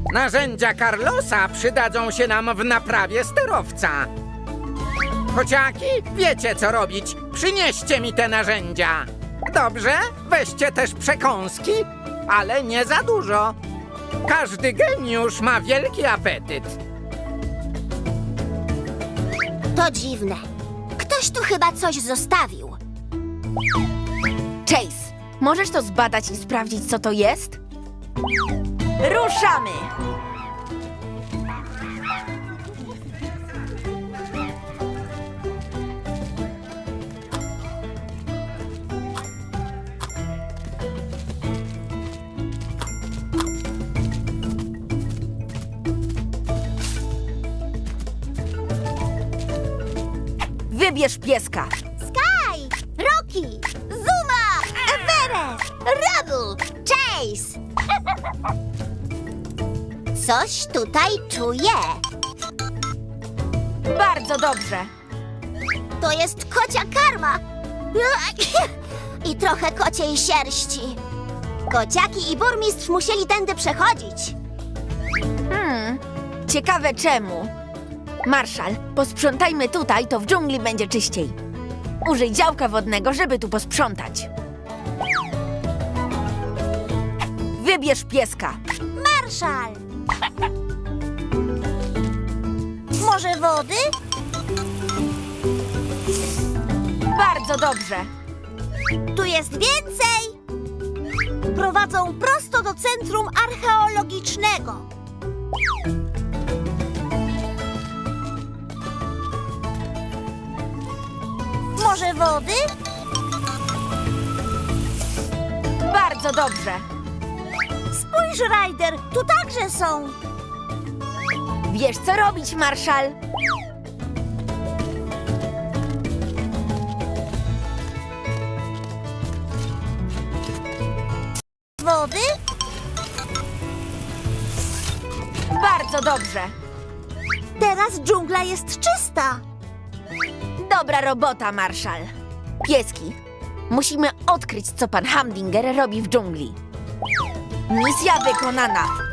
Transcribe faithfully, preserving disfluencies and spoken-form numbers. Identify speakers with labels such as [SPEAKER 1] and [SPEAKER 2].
[SPEAKER 1] Narzędzia Carlosa przydadzą się nam w naprawie sterowca. Kociaki, wiecie co robić. Przynieście mi te narzędzia. Dobrze, weźcie też przekąski, ale nie za dużo. Każdy geniusz ma wielki apetyt.
[SPEAKER 2] To dziwne. Ktoś tu chyba coś zostawił.
[SPEAKER 3] Chase, możesz to zbadać i sprawdzić, co to jest? Ruszamy! Wybierz pieska.
[SPEAKER 2] Sky, Rocky, Zuma, Everest, Rubble, Chase. Coś tutaj czuję.
[SPEAKER 3] Bardzo dobrze.
[SPEAKER 2] To jest kocia karma. I trochę kociej sierści. Kociaki i burmistrz musieli tędy przechodzić.
[SPEAKER 3] Hmm, ciekawe czemu. Marszal, posprzątajmy tutaj, to w dżungli będzie czyściej. Użyj działka wodnego, żeby tu posprzątać. Wybierz pieska.
[SPEAKER 2] Marszal. Może wody?
[SPEAKER 3] Bardzo dobrze.
[SPEAKER 2] Tu jest więcej. Prowadzą prosto do centrum archeologicznego. Może wody?
[SPEAKER 3] Bardzo dobrze.
[SPEAKER 2] Spójrz, Ryder, tu także są.
[SPEAKER 3] Wiesz, co robić, Marszal?
[SPEAKER 2] Wody?
[SPEAKER 3] Bardzo dobrze.
[SPEAKER 2] Teraz dżungla jest czysta.
[SPEAKER 3] Dobra robota, Marszal. Pieski, musimy odkryć, co pan Hamdinger robi w dżungli. Misja wykonana.